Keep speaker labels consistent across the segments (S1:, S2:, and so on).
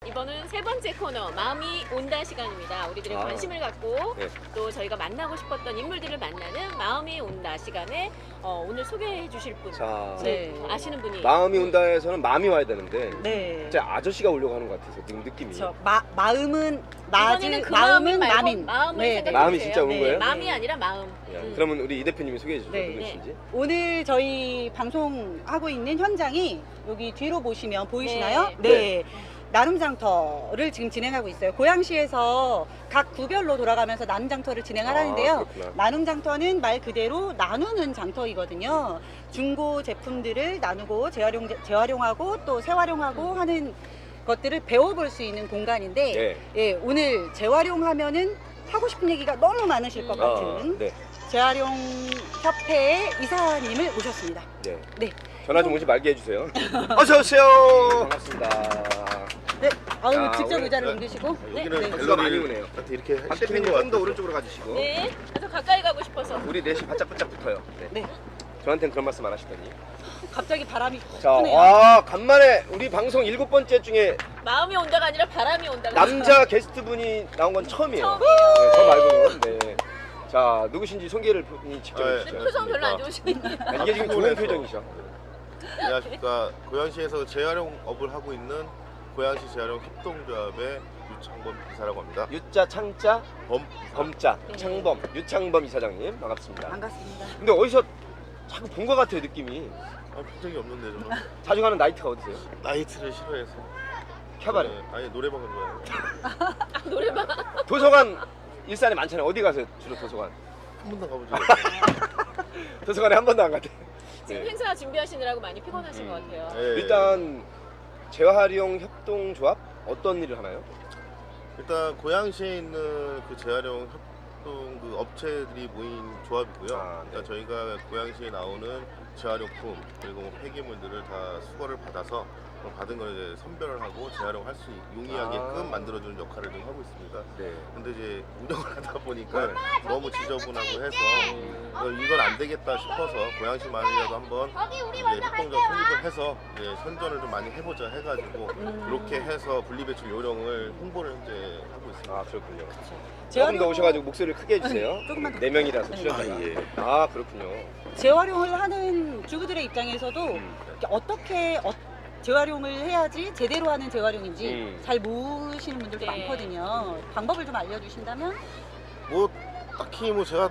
S1: 이번은 세 번째 코너 마음이 온다 시간입니다. 우리들의 관심을 갖고
S2: 네.
S1: 또 저희가 만나고 싶었던 인물들을 만나는 마음이 온다 시간에 오늘 소개해 주실 분
S2: 자,
S3: 네.
S1: 아시는 분이
S2: 마음이 온다에서는 마음이 와야 되는데
S3: 네.
S2: 진짜 아저씨가 오려고 하는 것 같아서 지금 느낌이.
S3: 저 마음은
S1: 이번에는 그
S3: 마음은
S1: 말고
S3: 마민.
S1: 마음을
S3: 네,
S1: 생각해
S2: 마음이
S1: 주세요.
S2: 진짜 오는
S3: 네.
S2: 거예요?
S1: 마음이 아니라 마음.
S2: 야, 그러면 우리 이 대표님이 소개해 주세요.
S3: 네.
S2: 누구신지.
S3: 오늘 저희 방송하고 있는 현장이 여기 뒤로 보시면 보이시나요?
S2: 네.
S3: 네. 나눔장터를 지금 진행하고 있어요. 고양시에서 각 구별로 돌아가면서 나눔장터를 진행하라는데요.
S2: 그렇구나.
S3: 나눔장터는 말 그대로 나누는 장터이거든요. 중고 제품들을 나누고 재활용하고 또 재활용하고 하는 것들을 배워볼 수 있는 공간인데
S2: 네.
S3: 예, 오늘 재활용하면은 하고 싶은 얘기가 너무 많으실 것 같은
S2: 네.
S3: 재활용협회의 이사님을 모셨습니다.
S2: 네.
S3: 네.
S2: 전화 좀 오지 말게 해주세요. 어서 오세요. 반갑습니다.
S3: 네. 아유,
S2: 자,
S3: 직접
S2: 오늘-
S3: 의자를 옮기시고.
S4: 여기는
S3: 네.
S2: 박수가 많이
S4: 갤러리를
S2: 오네요.
S4: 이렇게
S2: 박
S4: 시키는
S2: 대표님
S4: 것
S2: 좀 더
S4: 같아서.
S2: 오른쪽으로 가주시고.
S1: 네. 그래서 가까이 가고 싶어서.
S2: 우리 넷이 바짝바짝 붙어요. 네.
S3: 네.
S2: 저한테는 그런 말씀 안 하시더니.
S3: 갑자기 바람이
S2: 자,
S3: 푸네요.
S2: 와 간만에 우리 방송 7번째 중에
S1: 마음이 온다가 아니라 바람이 온다가.
S2: 남자 게스트분이 나온 건 처음이에요.
S1: 처음이에요.
S2: 네, 저 말고는. 네. 자, 누구신지 소개를 본인이 직접
S4: 네.
S2: 해주시죠.
S1: 표정 별로 안 좋으시네요.
S2: 아, 이게 지금 좋은 표정이셔.
S4: 안녕하십니까. 고양시에서 재활용업을 하고 있는 고양시 재활용 협동조합의 유창범 이사라고 합니다.
S2: 유자 창자
S4: 범
S2: 범자
S1: 네.
S2: 창범 유창범 이사장님 반갑습니다.
S3: 반갑습니다.
S2: 근데 어디서 자꾸 본 것 같아요 느낌이.
S4: 본 적이 없는데 저는
S2: 자주 가는 나이트가 어디세요?
S4: 나이트를 싫어해서.
S2: 캬바레.
S4: 네, 아니 노래방을 좋아해요.
S1: 노래방.
S2: 도서관 일산에 많잖아요. 어디 가세요 주로 도서관?
S4: 한 번도 가본 적이 없어요.
S2: 도서관에 한 번도 안 갔대.
S1: 지금
S2: 네.
S1: 행사 준비하시느라고 많이 피곤하신 것 같아요.
S4: 네.
S2: 일단 재활용 협동조합 어떤 일을 하나요?
S4: 일단 고양시에 있는 그 재활용 협동 그 업체들이 모인 조합이고요.
S2: 아, 네.
S4: 일단 저희가 고양시에 나오는 재활용품 그리고 뭐 폐기물들을 다 수거를 받아서 받은 걸 이제 선별을 하고 재활용할 수 용이하게끔 만들어주는 역할을 좀 하고 있습니다.
S2: 네.
S4: 근데 이제 운영을 하다 보니까 너무 지저분하고 해서 이건 안 되겠다 싶어서 고양시만이라도 한번 이제 협동조합 설립을 해서 이제 선전을 좀 많이 해보자 해가지고 이렇게 해서 분리배출 요령을 홍보를 현재 하고 있습니다.
S2: 아 그렇군요. 조금
S3: 재활용-
S2: 더 오셔가지고 목소리를 크게 해주세요.
S3: 네, 조금만 더.
S2: 네 명이라서
S3: 네.
S2: 출연자가.
S4: 아, 예.
S2: 아 그렇군요.
S3: 재활용을 하는 주부들의 입장에서도 이렇게 어떻게 재활용을 해야지 제대로 하는 재활용인지 잘 모르시는 분들도
S1: 네.
S3: 많거든요. 방법을 좀 알려주신다면?
S4: 뭐 딱히 뭐 제가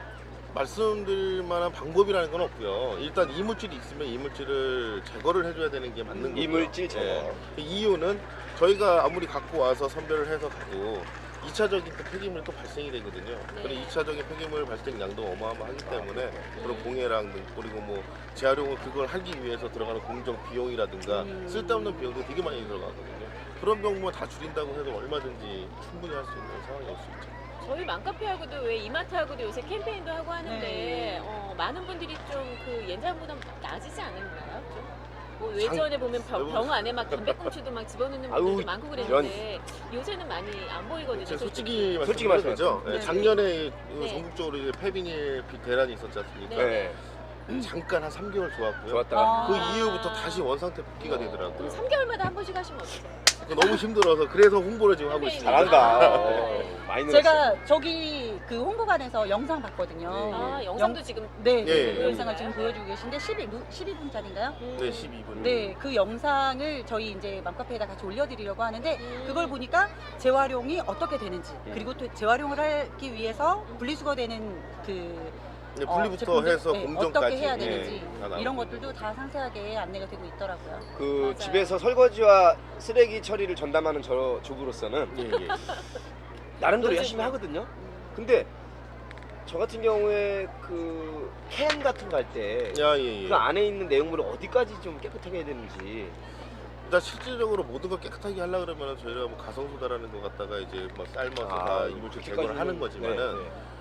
S4: 말씀드릴 만한 방법이라는 건 없고요. 일단 이물질이 있으면 이물질을 제거를 해줘야 되는 게 맞는 거고요.
S2: 이물질 제거.
S4: 그 이유는 저희가 아무리 갖고 와서 선별을 해서 가도 2차적인 또 폐기물이 또 발생이 되거든요.
S1: 네.
S4: 그리고 2차적인 폐기물 발생량도 어마어마하기 때문에 그런 공해랑 그리고 뭐 재활용을 그걸 하기 위해서 들어가는 공정 비용이라든가 쓸데없는 비용도 되게 많이 들어가거든요. 그런 경우만 다 줄인다고 해도 얼마든지 충분히 할 수 있는 상황이 올 수 있죠.
S1: 저희 맘카페하고도 왜 이마트하고도 요새 캠페인도 하고 하는데
S3: 네.
S1: 많은 분들이 좀 그 예전보다 나아지지 않았나요? 좀? 뭐 예전에 보면 병 안에 막 담배꽁초도 막 집어넣는 분들도
S2: 아유,
S1: 많고 그랬는데 요새는 많이 안 보이거든요.
S4: 제가
S2: 솔직히
S4: 솔직히 말씀드리죠.
S3: 네.
S4: 작년에
S1: 네.
S4: 전국적으로 이제 폐비닐 대란이 있었지 않습니까?
S1: 네.
S4: 잠깐 한 3개월 좋았고요.
S2: 좋았다가
S4: 그 이후부터 다시 원상태 복귀가
S1: 그럼
S4: 되더라고요.
S1: 3개월마다 한 번씩 하시면 어떠세요?
S4: 너무 힘들어서 그래서 홍보를 지금 하고 있습니다.
S2: 잘한다.
S1: 네.
S2: 많이 늘었어.
S3: 제가 저기 그 홍보관에서 영상 봤거든요.
S1: 아, 영상도 지금
S3: 네,
S4: 예,
S3: 그
S4: 예.
S3: 영상을 지금 보여주고 계신데 12분짜리인가요?
S4: 네, 12분.
S3: 네, 그 영상을 저희 이제 맘카페에다 같이 올려드리려고 하는데 그걸 보니까 재활용이 어떻게 되는지 그리고 또 재활용을 하기 위해서 분리수거되는 그
S4: 네, 분리부터
S3: 제품들,
S4: 해서
S3: 네,
S4: 공정까지
S3: 어떻게 해야
S4: 네,
S3: 되는지
S4: 다 나오고
S3: 이런 것들도 다 상세하게 안내가 되고 있더라고요.
S2: 그
S1: 맞아요.
S2: 집에서 설거지와 쓰레기 처리를 전담하는 저 주부로서는
S4: 예, 예.
S2: 나름대로
S1: 요즘
S2: 열심히
S1: 뭐.
S2: 하거든요. 근데 저 같은 경우에 그 캔 같은 거 할 때 그
S4: 야, 예, 예.
S2: 안에 있는 내용물을 어디까지 좀 깨끗하게 해야 되는지.
S4: 일단 실질적으로 모든 걸 깨끗하게 하려 그러면 저희가 뭐 가성소다라는 거 갖다가 이제 뭐 삶아서 다 이물질 제거를 하는 거지만은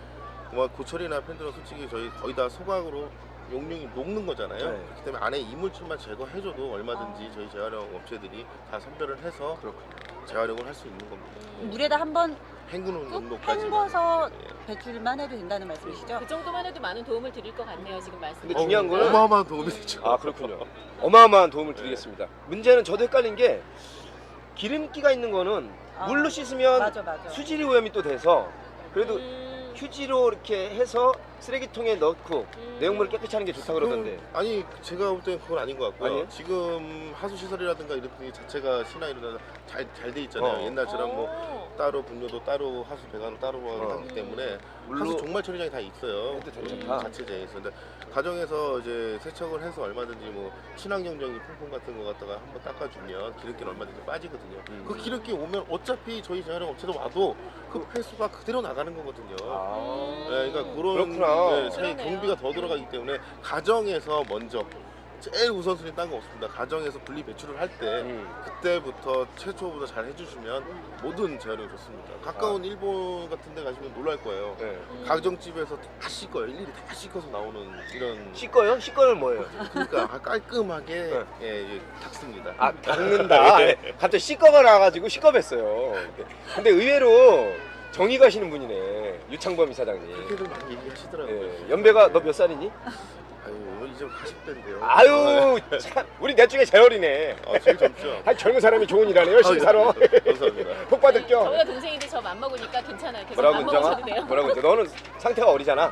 S4: 뭐 고철이나 팬들은 솔직히 저희 거의 다 소각으로 용량이 녹는 거잖아요.
S2: 네.
S4: 그렇기 때문에 안에 이물질만 제거해줘도 얼마든지 저희 재활용 업체들이 다 선별을 해서 재활용을 할 수 있는 겁니다.
S3: 물에다 한번
S4: 헹구는
S3: 꾹
S4: 정도까지.
S3: 헹궈서 배출만 해도 된다는 말씀이시죠?
S1: 그 정도만 해도 많은 도움을 드릴 것 같네요. 지금 말씀.
S2: 근데 중요한 거는-
S4: 어마어마한 도움이 되죠.
S2: 아 그렇군요. 어마어마한 도움을 드리겠습니다. 문제는 저도 헷갈린 게 기름기가 있는 거는
S3: 아,
S2: 물로 씻으면
S3: 맞아.
S2: 수질이 오염이 또 돼서 그래도
S1: 음.
S2: 휴지로 이렇게 해서 쓰레기통에 넣고 내용물을 깨끗이 하는 게 좋다고 그러던데.
S4: 아니 제가 볼 때는 그건 아닌 것 같고요.
S2: 아니에요?
S4: 지금 하수 시설이라든가 이런 게 자체가 시나 이런 잘 돼 있잖아요. 옛날처럼 뭐 따로 분뇨도 따로 하수 배관도 따로 하기 때문에
S2: 물로
S4: 하수 종말 처리장이 다 있어요.
S2: 그것도 괜찮다.
S4: 자체제에서. 근데 가정에서 이제 세척을 해서 얼마든지 뭐 친환경적인 퐁퐁 같은 거 갖다가 한번 닦아주면 기름기는 얼마든지 빠지거든요. 그 기름기 오면 어차피 저희 재활용 업체도 와도 그 폐수가 그대로 나가는 거거든요.
S2: 아.
S4: 네, 그러니까 그런
S2: 그렇구나.
S4: 차이
S1: 그러네요.
S4: 경비가 더 들어가기 때문에 가정에서 먼저 제일 우선순위 딴 거 없습니다. 가정에서 분리 배출을 할 때 그때부터 최초부터 잘 해주시면 모든 재활용이 좋습니다. 가까운 일본 같은 데 가시면 놀랄 거예요.
S2: 네.
S4: 가정집에서 다 씻어요. 일일이 다 씻어서 나오는 이런
S2: 씻어요? 씻어는 뭐예요?
S4: 그러니까 깔끔하게
S2: 네.
S4: 예, 닦습니다.
S2: 아, 닦는다. 네. 갑자기 씻거가 나와가지고 씻겁했어요. 근데 의외로 정이 가시는 분이네. 유창범 이사장님.
S4: 그렇게들 많이 얘기하시더라고요.
S2: 예. 연배가 너 몇 살이니?
S4: 아유 이제 40대인데요.
S2: 아유, 참. 우리 넷 중에 제일 어리네.
S4: 제일 젊죠.
S2: 아, 젊은 사람이 좋은 일 하네. 열심히 살아.
S4: 감사합니다.
S2: 복 받을 겸.
S1: 저보다 동생인데 저 맘먹으니까 괜찮아요. 계속
S2: 뭐라고
S1: 맘먹으셔도
S2: 인정아?
S1: 돼요.
S2: 뭐라고 인정? 너는 상태가 어리잖아.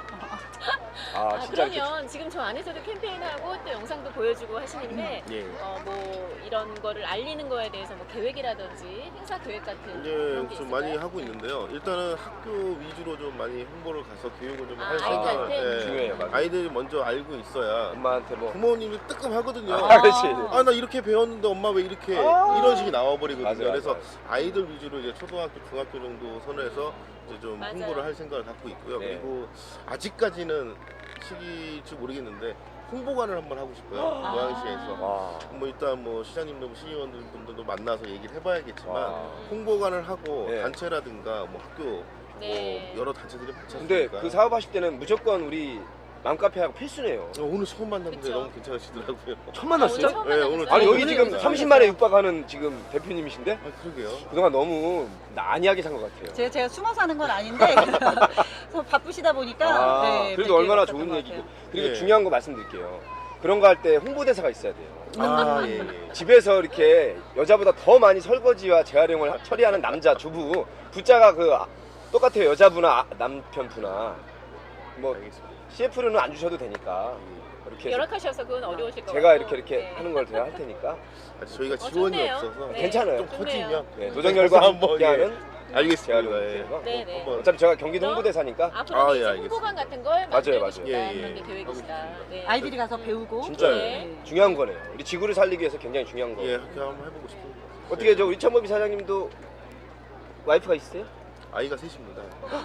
S2: 아,
S1: 아,
S2: 진짜 이렇게.
S1: 그러면 지금 저 안에서도 캠페인하고 또 영상도 보여주고 하시는데
S4: 예.
S1: 뭐 이런 거를 알리는 거에 대해서 뭐 계획이라든지 행사 계획 같은 그런
S4: 이제
S1: 게
S4: 좀
S1: 있을까요?
S4: 많이 하고 있는데요. 일단은 학교 위주로 좀 많이 홍보를 가서 교육을 좀
S1: 아,
S4: 할 생각을
S1: 아이들한테?
S2: 중요해요, 맞아요.
S4: 아이들이 먼저 알고 있어야
S2: 엄마한테 뭐.
S4: 부모님이 뜨끔하거든요.
S2: 아, 그렇지.
S4: 아 나 이렇게 배웠는데 엄마 왜 이렇게
S2: 아.
S4: 이런 식이 나와버리거든요.
S2: 맞아요,
S4: 그래서
S2: 맞아요.
S4: 아이들 위주로 이제 초등학교, 중학교 정도 선에서 이제 좀
S1: 맞아요.
S4: 홍보를 할 생각을 갖고 있고요.
S2: 네.
S4: 그리고 아직까지는 시기일지 모르겠는데 홍보관을 한번 하고 싶어요.
S1: 아.
S4: 고양시에서.
S2: 와.
S4: 뭐 일단 뭐 시장님들, 시의원분들도 만나서 얘기를 해봐야겠지만
S2: 와.
S4: 홍보관을 하고
S2: 네.
S4: 단체라든가 뭐 학교
S1: 네.
S4: 뭐 여러 단체들이 많지
S2: 근데
S4: 않습니까?
S2: 그 사업하실 때는 무조건 우리 맘카페하고 필수네요.
S4: 오늘 처음 만났는데
S1: 그쵸.
S4: 너무 괜찮으시더라고요.
S2: 처음 만났어요?
S1: 처음
S4: 네,
S1: 만났어요.
S4: 오늘
S2: 아니 여기
S3: 오늘
S2: 지금
S3: 오늘
S2: 30만에 육박하는 지금 대표님이신데
S4: 아 그러게요.
S2: 그동안 너무 난이하게 산 것 같아요.
S3: 제가 숨어 사는 건 아닌데 그래서 바쁘시다 보니까
S2: 아,
S3: 네,
S2: 그래도
S3: 뵙기가
S2: 얼마나
S3: 없었던
S2: 좋은
S3: 것
S2: 얘기고.
S3: 같아요.
S2: 그리고
S4: 예.
S2: 중요한 거 말씀드릴게요. 그런 거 할 때 홍보대사가 있어야 돼요.
S4: 아 예. 예.
S2: 집에서 이렇게 여자보다 더 많이 설거지와 재활용을 처리하는 남자 주부 부자가 똑같아요. 여자부나 남편부나 뭐
S4: 알겠습니다.
S2: CF로는 안 주셔도 되니까 이렇게 해서
S1: 열악하셔서 그건 어려우실 것
S2: 제가
S1: 같고.
S2: 이렇게
S1: 네.
S2: 하는 걸 제가 할 테니까
S4: 아직 저희가
S1: 어,
S4: 지원이
S1: 좋네요.
S4: 없어서
S1: 네.
S2: 괜찮아요.
S4: 좀 커지면
S2: 네, 노정열과
S4: 한번,
S2: 함께하는
S4: 알겠습니다.
S2: 재활용
S4: 예.
S2: 뭐
S1: 네, 네.
S4: 한번
S2: 어차피 제가 경기도 홍보대사니까
S1: 앞으로는
S4: 아, 예,
S1: 이제
S4: 알겠습니다.
S1: 홍보관 같은 걸 만들고
S2: 맞아요, 맞아요.
S1: 싶다
S4: 예, 예.
S1: 그런 게 계획이시다.
S4: 하고 싶습니다.
S1: 네.
S3: 아이들이 가서 배우고
S2: 진짜요.
S1: 네.
S2: 중요한 거네요. 우리 지구를 살리기 위해서 굉장히 중요한 거.
S4: 예, 그렇게 한번 해보고 싶습니다.
S2: 어떻게 저 우리 천범이 사장님도 와이프가 있으세요?
S4: 아이가 셋입니다.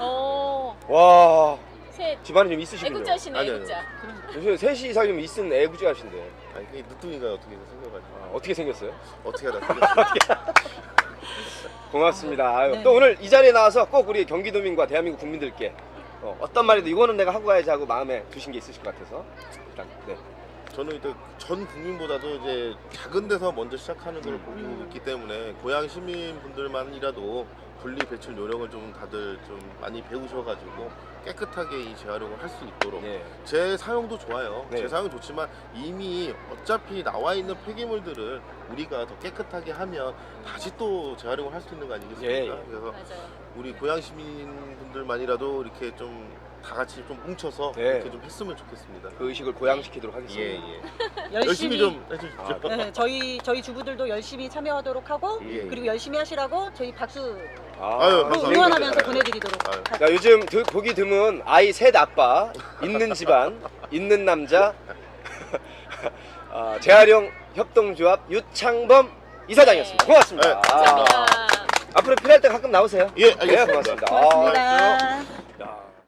S2: 와
S1: 셋.
S2: 집안에 좀 있으시군요.
S1: 애국자시네,
S4: 아니요,
S1: 애국자.
S2: 요새 셋이 이상이면 있은 애구자신데
S4: 아니 그게 늦둥이가 어떻게 생겨가지고
S2: 어떻게 생겼어요?
S4: 어떻게 하다 생겼어요.
S2: 고맙습니다. 아유,
S3: 네.
S2: 또 오늘 이 자리에 나와서 꼭 우리 경기도민과 대한민국 국민들께 어떤 말이든 이거는 내가 하고 가야지 하고 마음에 두신 게 있으실 것 같아서 일단 네.
S4: 저는 일단 전 국민보다도 이제 작은 데서 먼저 시작하는 걸 보고 있기 때문에 고향 시민분들만이라도 분리 배출 요령을 좀 다들 좀 많이 배우셔가지고 깨끗하게 이 재활용을 할 수 있도록
S2: 네.
S4: 제 사용도 좋아요.
S2: 네.
S4: 제 사용은 좋지만 이미 어차피 나와 있는 폐기물들을 우리가 더 깨끗하게 하면 다시 또 재활용을 할 수 있는 거 아니겠습니까?
S2: 예, 예.
S4: 그래서
S1: 맞아요.
S4: 우리 고향 시민분들만이라도 이렇게 좀 다 같이 좀 뭉쳐서
S2: 네.
S4: 이렇게 좀 했으면 좋겠습니다.
S2: 그 의식을 고양시키도록 하겠습니다.
S4: 예, 예.
S3: 열심히
S4: 좀 해주십시오.
S2: 아,
S3: 네, 저희 주부들도 열심히 참여하도록 하고
S4: 예, 예.
S3: 그리고 열심히 하시라고 저희 박수
S4: 아유, 감사합니다.
S3: 응원하면서 보내드리도록
S4: 아유.
S3: 할게요.
S2: 자, 요즘 보기 드문 아이 셋 아빠, 있는 집안, 있는 남자, 재활용 협동조합 유창범 이사장이었습니다.
S1: 네.
S2: 고맙습니다.
S4: 네,
S1: 감사합니다.
S2: 앞으로 필요할 때 가끔 나오세요.
S4: 예, 알겠습니다.
S2: 네, 고맙습니다.
S3: 고맙습니다.
S2: 야.